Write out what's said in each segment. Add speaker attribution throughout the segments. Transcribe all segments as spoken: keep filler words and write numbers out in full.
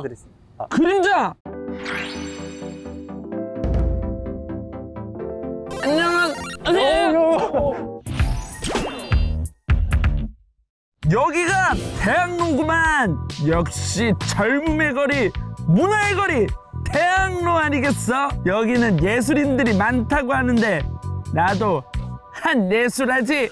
Speaker 1: 말씀드리겠습니다. 아,
Speaker 2: 그림자! 안녕하세요. 여기가 대학로구만. 역시 젊음의 거리, 문화의 거리, 대학로 아니겠어? 여기는 예술인들이 많다고 하는데 나도 한 예술하지.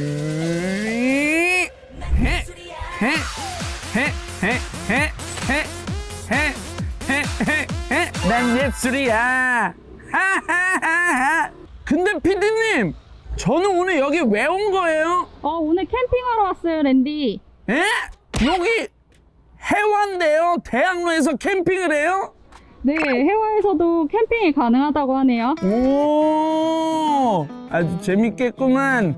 Speaker 2: 음, 해, 해, 해, 해, 해, 해, 해, 해, 해, 해. 난 예술이야. 하하하하. 근데 피디님, 저는 오늘 여기 왜 온 거예요?
Speaker 3: 어, 오늘 캠핑하러 왔어요, 랜디.
Speaker 2: 에? 여기 해화인데요? 대학로에서 캠핑을 해요?
Speaker 3: 네, 해화에서도 캠핑이 가능하다고 하네요.
Speaker 2: 오, 아주 재밌겠구만.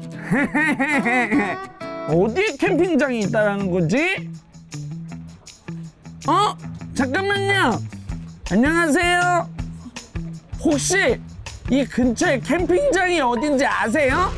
Speaker 2: 어디에 캠핑장이 있다라는 거지? 어? 잠깐만요. 안녕하세요. 혹시 이 근처에 캠핑장이 어딘지 아세요?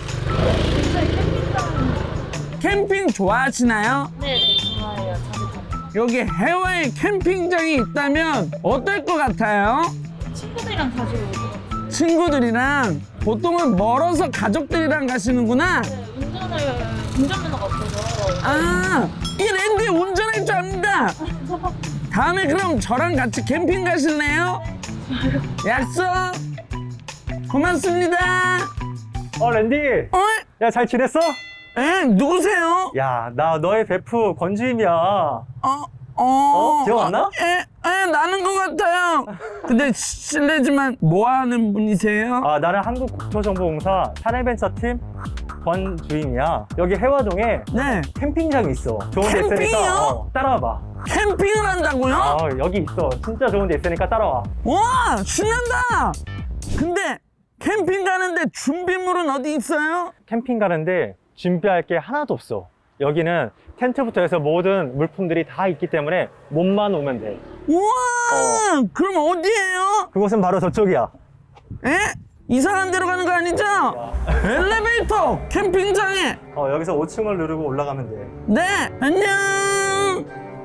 Speaker 2: 캠핑 좋아하시나요?
Speaker 3: 네, 좋아해요. 자주 가요.
Speaker 2: 여기 해외에 캠핑장이 있다면 어떨 것 같아요?
Speaker 3: 친구들이랑 자주 오고.
Speaker 2: 친구들이랑 보통은 멀어서 가족들이랑 가시는구나.
Speaker 3: 네, 운전을, 운전면허가 없어서.
Speaker 2: 아, 이 랜디 운전할 줄 압니다. 다음에 그럼 저랑 같이 캠핑 가실래요? 약속. 고맙습니다.
Speaker 1: 어 랜디,
Speaker 2: 어?
Speaker 1: 야 잘 지냈어?
Speaker 2: 에? 누구세요?
Speaker 1: 야 나 너의 베프 권주임이야.
Speaker 2: 어? 어?
Speaker 1: 어? 기억 안 나?
Speaker 2: 에? 에? 나는 것 같아요. 근데 시- 실례지만 뭐 하는 분이세요?
Speaker 1: 아 나는 한국국토정보공사 사내벤처팀 권주임이야. 여기 해화동에
Speaker 2: 네.
Speaker 1: 캠핑장이 있어. 좋은 데
Speaker 2: 캠핑이요?
Speaker 1: 있으니까 어, 따라와봐.
Speaker 2: 캠핑을 한다고요?
Speaker 1: 아 여기 있어. 진짜 좋은 데 있으니까 따라와.
Speaker 2: 와, 신난다. 근데 캠핑 가는데 준비물은 어디 있어요?
Speaker 1: 캠핑 가는데 준비할 게 하나도 없어. 여기는 텐트부터 해서 모든 물품들이 다 있기 때문에 몸만 오면 돼.
Speaker 2: 우와, 그럼 어디예요?
Speaker 1: 그곳은 바로 저쪽이야.
Speaker 2: 에? 이상한 데로 가는 거 아니죠? 엘리베이터 캠핑장에.
Speaker 1: 어, 여기서 오 층을 누르고 올라가면 돼.
Speaker 2: 네, 안녕.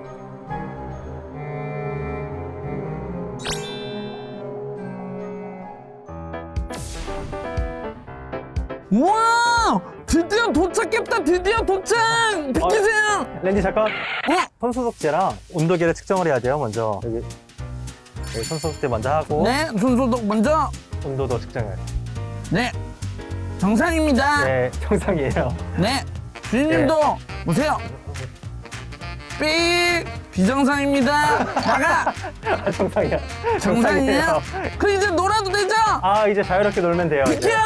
Speaker 2: 우와, 드디어 도착했다. 드디어 도착. 비키세요.
Speaker 1: 랜디 잠깐.
Speaker 2: 어?
Speaker 1: 손소독제랑 온도계를 측정을 해야 돼요. 먼저 여기, 여기 손소독제 먼저 하고
Speaker 2: 네, 손소독 먼저.
Speaker 1: 온도도 측정해야 돼.
Speaker 2: 네, 정상입니다.
Speaker 1: 네, 정상이에요.
Speaker 2: 네, 주인님도 보세요. 삑, 비정상입니다. 나가.
Speaker 1: 아, 정상이야.
Speaker 2: 정상이에요? 그럼 이제 놀아도 되죠?
Speaker 1: 아 이제 자유롭게 놀면 돼요.
Speaker 2: 비켜!
Speaker 1: 이제.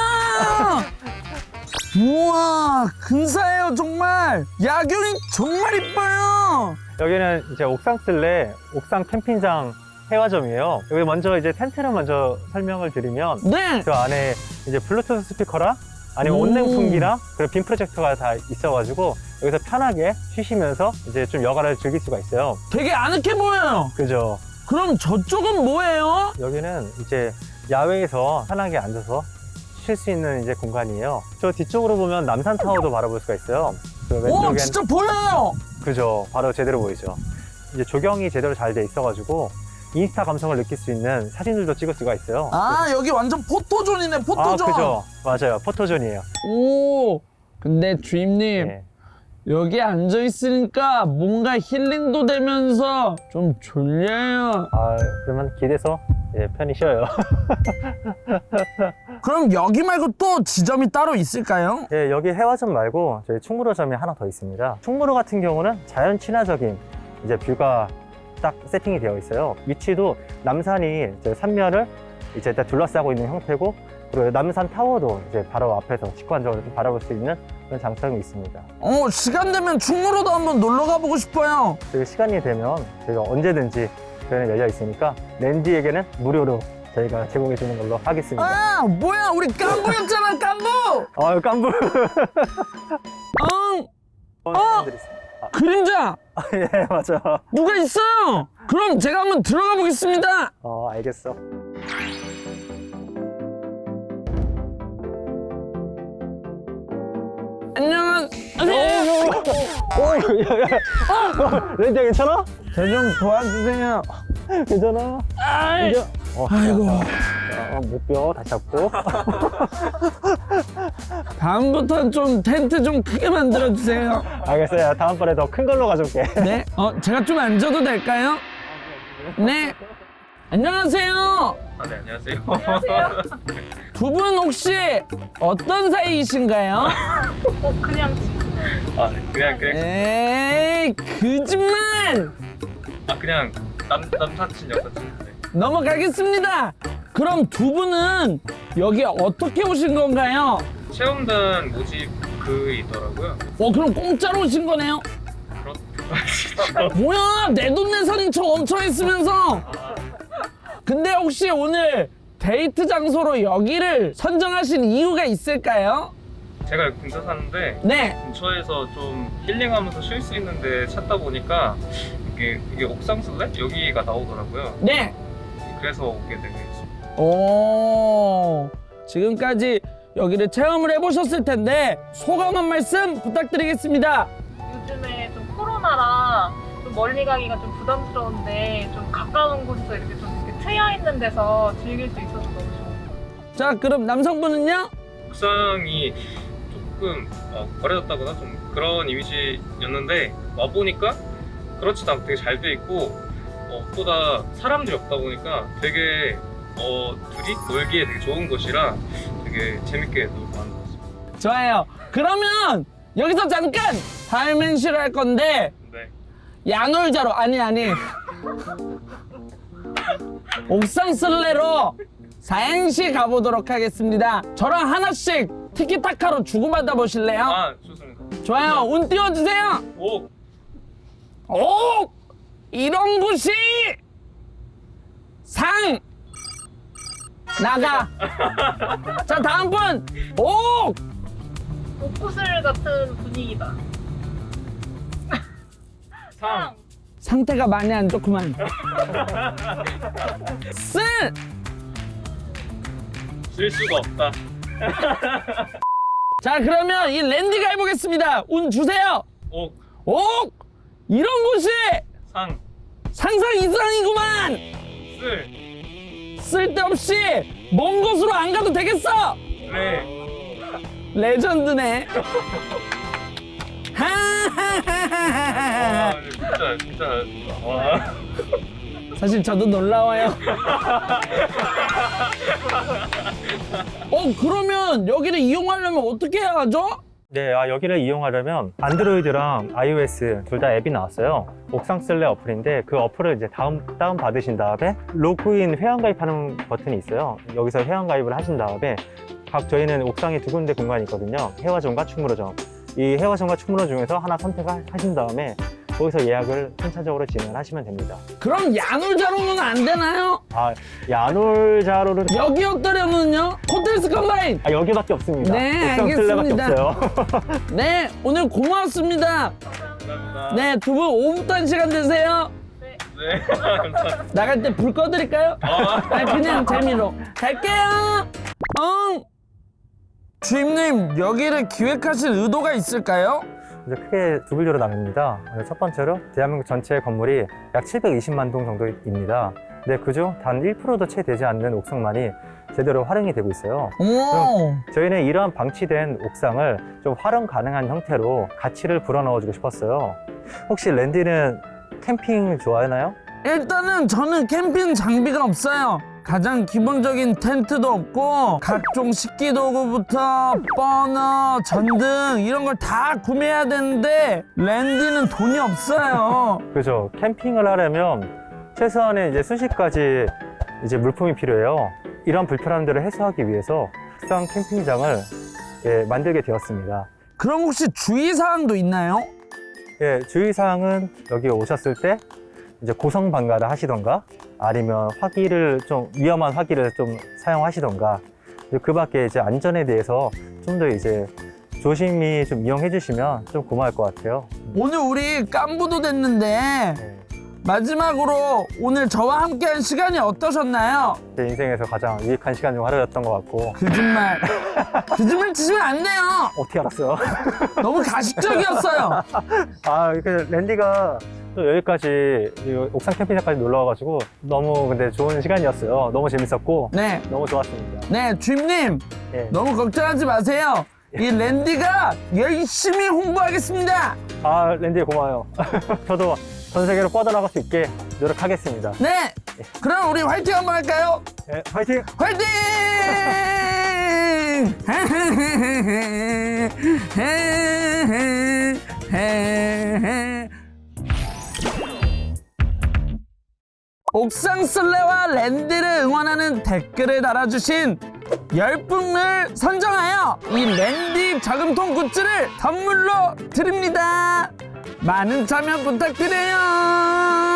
Speaker 2: 우와, 근사해요 정말. 야경이 정말 이뻐요.
Speaker 1: 여기는 이제 옥상 쓸래 옥상 캠핑장 해화점이에요. 여기 먼저 이제 텐트를 먼저 설명을 드리면
Speaker 2: 네.
Speaker 1: 그 안에 이제 블루투스 스피커랑 아니면
Speaker 2: 오.
Speaker 1: 온냉풍기랑 그리고 빔 프로젝터가 다 있어가지고 여기서 편하게 쉬시면서 이제 좀 여가를 즐길 수가 있어요.
Speaker 2: 되게 아늑해 보여요.
Speaker 1: 그죠?
Speaker 2: 그럼 저쪽은 뭐예요?
Speaker 1: 여기는 이제 야외에서 편하게 앉아서 쉴 수 있는 이제 공간이에요. 저 뒤쪽으로 보면 남산타워도 바라볼 수가 있어요. 그
Speaker 2: 오,
Speaker 1: 왼쪽엔
Speaker 2: 진짜 보여요.
Speaker 1: 그죠? 바로 제대로 보이죠? 이제 조경이 제대로 잘 돼 있어가지고 인스타 감성을 느낄 수 있는 사진들도 찍을 수가 있어요.
Speaker 2: 아, 여기 완전 포토존이네,
Speaker 1: 아,
Speaker 2: 포토존.
Speaker 1: 그죠? 맞아요. 포토존이에요.
Speaker 2: 오, 근데 주임님,
Speaker 1: 네.
Speaker 2: 여기 앉아 있으니까 뭔가 힐링도 되면서 좀 졸려요.
Speaker 1: 아, 그러면 길에서 예, 편히 쉬어요.
Speaker 2: 그럼 여기 말고 또 지점이 따로 있을까요?
Speaker 1: 예, 여기 해화점 말고 저희 충무로점이 하나 더 있습니다. 충무로 같은 경우는 자연 친화적인 이제 뷰가 딱 세팅이 되어 있어요. 위치도 남산이 이제 산면을 이제 다 둘러싸고 있는 형태고, 그리고 남산 타워도 이제 바로 앞에서 직관적으로 좀 바라볼 수 있는 그런 장점이 있습니다.
Speaker 2: 어, 시간 되면 충무로도 한번 놀러 가보고 싶어요.
Speaker 1: 저희 시간이 되면 저희가 언제든지 저희는 열려 있으니까 랜디에게는 무료로 저희가 제공해 주는 걸로 하겠습니다.
Speaker 2: 아, 뭐야, 우리 깐부였잖아, 깐부.
Speaker 1: 아유, 깐부.
Speaker 2: 응,
Speaker 1: 어?
Speaker 2: 그림자.
Speaker 1: 아, 예, 맞아.
Speaker 2: 누가 있어요? 그럼 제가 한번 들어가 보겠습니다.
Speaker 1: 어, 알겠어.
Speaker 2: 안녕하세요.
Speaker 1: 오, 야, 야. 렌디야 괜찮아?
Speaker 2: 저 좀 도와주세요.
Speaker 1: 괜찮아?
Speaker 2: 아이,
Speaker 1: 괜찮아? 어,
Speaker 2: 아이고.
Speaker 1: 자, 어, 목뼈 다시 잡고.
Speaker 2: 다음부터 좀 텐트 좀 크게 만들어 주세요.
Speaker 1: 알겠어요. 다음번에 더 큰 걸로 가져올게.
Speaker 2: 네. 어, 제가 좀 앉아도 될까요? 네. 안녕하세요.
Speaker 4: 아, 네, 안녕하세요.
Speaker 2: 두 분 혹시 어떤 사이이신가요?
Speaker 3: 그냥
Speaker 4: 아, 네, 그냥, 그냥,
Speaker 2: 에이, 거짓말!
Speaker 4: 아, 그냥 남, 남사친, 여사친. 네.
Speaker 2: 넘어가겠습니다. 그럼 두 분은 여기 어떻게 오신 건가요?
Speaker 4: 체험단 모집 그 있더라고요.
Speaker 2: 어, 그럼 공짜로 오신 거네요?
Speaker 4: 그렇,
Speaker 2: 뭐야, 내돈내산인 척 엄청 했으면서. 근데 혹시 오늘 데이트 장소로 여기를 선정하신 이유가 있을까요?
Speaker 4: 제가 근처 사는데
Speaker 2: 네.
Speaker 4: 근처에서 좀 힐링하면서 쉴 수 있는데 찾다 보니까 이게, 이게 옥상 슬랩? 여기가 나오더라고요.
Speaker 2: 네.
Speaker 4: 그래서 오게 된 거였습니다.
Speaker 2: 오, 지금까지 여기를 체험을 해보셨을 텐데 소감 한 말씀 부탁드리겠습니다.
Speaker 5: 요즘에 좀 코로나라 좀 멀리 가기가 좀 부담스러운데 좀 가까운 곳에서 이렇게 좀 이렇게 트여 있는 데서 즐길 수 있어서 너무 좋아요.
Speaker 2: 자, 그럼 남성분은요?
Speaker 4: 옥상이 조금 어, 버려졌다거나 좀 그런 이미지였는데 와보니까 그렇지도 않고 되게 잘 돼 있고 어, 보다 사람들이 없다 보니까 되게 어, 둘이 놀기에 되게 좋은 곳이라 되게 재밌게 놀고 하는 것 같습니다.
Speaker 2: 좋아요. 그러면 여기서 잠깐 발맹시를 할 건데
Speaker 4: 네.
Speaker 2: 야놀자로 아니 아니 옥상 쓸래로 사행시 가보도록 하겠습니다. 저랑 하나씩 티키타카로 주고받아 보실래요?
Speaker 4: 아, 좋습니다.
Speaker 2: 좋아요. 운 띄워주세요.
Speaker 4: 오!
Speaker 2: 오! 이런 곳이 상 나가. 자, 다음 분. 오!
Speaker 5: 옥구슬 같은 분위기다.
Speaker 4: 상!
Speaker 2: 상태가 많이 안 좋구만. 쓸!
Speaker 4: 쓸 수가 없다.
Speaker 2: 자, 그러면 이 랜디가 해보겠습니다. 운 주세요.
Speaker 4: 오!
Speaker 2: 오! 이런 곳이
Speaker 4: 상!
Speaker 2: 상상 이상이구만.
Speaker 4: 쓸!
Speaker 2: 쓸데없이 먼 곳으로 안 가도 되겠어.
Speaker 4: 레!
Speaker 2: 레전드네.
Speaker 4: 와,
Speaker 2: 하하하하하.
Speaker 4: 진짜, 진짜. 와.
Speaker 2: 사실 저도 놀라워요. 어, 그러면 여기를 이용하려면 어떻게 해야 하죠?
Speaker 1: 네, 아, 여기를 이용하려면 안드로이드랑 아이오에스 둘 다 앱이 나왔어요. 옥상 쓸래 어플인데 그 어플을 이제 다운, 다운 받으신 다음에 로그인 회원가입하는 버튼이 있어요. 여기서 회원가입을 하신 다음에 각 저희는 옥상에 두 군데 공간이 있거든요. 해화점과 충무로점. 이 해화점과 충무로 중에서 하나 선택하신 다음에 거기서 예약을 순차적으로 진행하시면 됩니다.
Speaker 2: 그럼 야놀자로는 안 되나요?
Speaker 1: 아, 야놀자로는
Speaker 2: 여기였더려면요? 호텔스 컴바인!
Speaker 1: 아, 여기밖에 없습니다.
Speaker 2: 네,
Speaker 1: 옥상 쓸래밖에
Speaker 2: 알겠습니다.
Speaker 1: 없어요.
Speaker 2: 네, 오늘 고맙습니다.
Speaker 4: 감사합니다.
Speaker 2: 네, 두 분 오붓한 시간 되세요.
Speaker 4: 네, 감사합니다.
Speaker 2: 나갈 때 불 꺼드릴까요?
Speaker 4: 아.
Speaker 2: 아니, 그냥 재미로. 갈게요! 응! 주임님, 여기를 기획하신 의도가 있을까요?
Speaker 1: 이제 크게 두 분류로 나뉩니다. 첫 번째로 대한민국 전체 건물이 약 칠백이십만 동 정도입니다. 근데 그중 단 일 퍼센트도 채 되지 않는 옥상만이 제대로 활용이 되고 있어요.
Speaker 2: 오!
Speaker 1: 저희는 이러한 방치된 옥상을 좀 활용 가능한 형태로 가치를 불어넣어주고 싶었어요. 혹시 랜디는 캠핑 좋아하나요?
Speaker 2: 일단은 저는 캠핑 장비가 없어요. 가장 기본적인 텐트도 없고 각종 식기도구부터 버너, 전등 이런 걸 다 구매해야 되는데 랜디는 돈이 없어요.
Speaker 1: 그죠. 캠핑을 하려면 최소한의 이제 순식까지 이제 물품이 필요해요. 이런 불편함들을 해소하기 위해서 옥상 캠핑장을 예, 만들게 되었습니다.
Speaker 2: 그럼 혹시 주의사항도 있나요?
Speaker 1: 예, 주의사항은 여기 오셨을 때 이제 고성방가를 하시던가 아니면 화기를 좀 위험한 화기를 좀 사용하시던가 그 밖에 이제 안전에 대해서 좀 더 이제 조심히 좀 이용해 주시면 좀 고마울 것 같아요.
Speaker 2: 오늘 우리 깐부도 됐는데
Speaker 1: 네.
Speaker 2: 마지막으로 오늘 저와 함께한 시간이 어떠셨나요?
Speaker 1: 제 인생에서 가장 유익한 시간 중 하루였던 것 같고.
Speaker 2: 거짓말 거짓말 치시면 안 돼요.
Speaker 1: 어떻게 알았어요?
Speaker 2: 너무 가식적이었어요.
Speaker 1: 아, 이렇게 랜디가 또 여기까지 이 옥상 캠핑장까지 놀러 와가지고 너무 근데 좋은 시간이었어요. 너무 재밌었고
Speaker 2: 네,
Speaker 1: 너무 좋았습니다.
Speaker 2: 네 주임님
Speaker 1: 예.
Speaker 2: 너무 걱정하지 마세요. 이 랜디가 열심히 홍보하겠습니다.
Speaker 1: 아, 랜디 고마워요. 저도 전 세계로 뻗어나갈 수 있게 노력하겠습니다.
Speaker 2: 네, 그럼 우리 화이팅 한번 할까요?
Speaker 1: 예, 화이팅!
Speaker 2: 화이팅! 옥상 술래와 랜디를 응원하는 댓글을 달아주신 열 분을 선정하여 이 랜디 저금통 굿즈를 선물로 드립니다. 많은 참여 부탁드려요.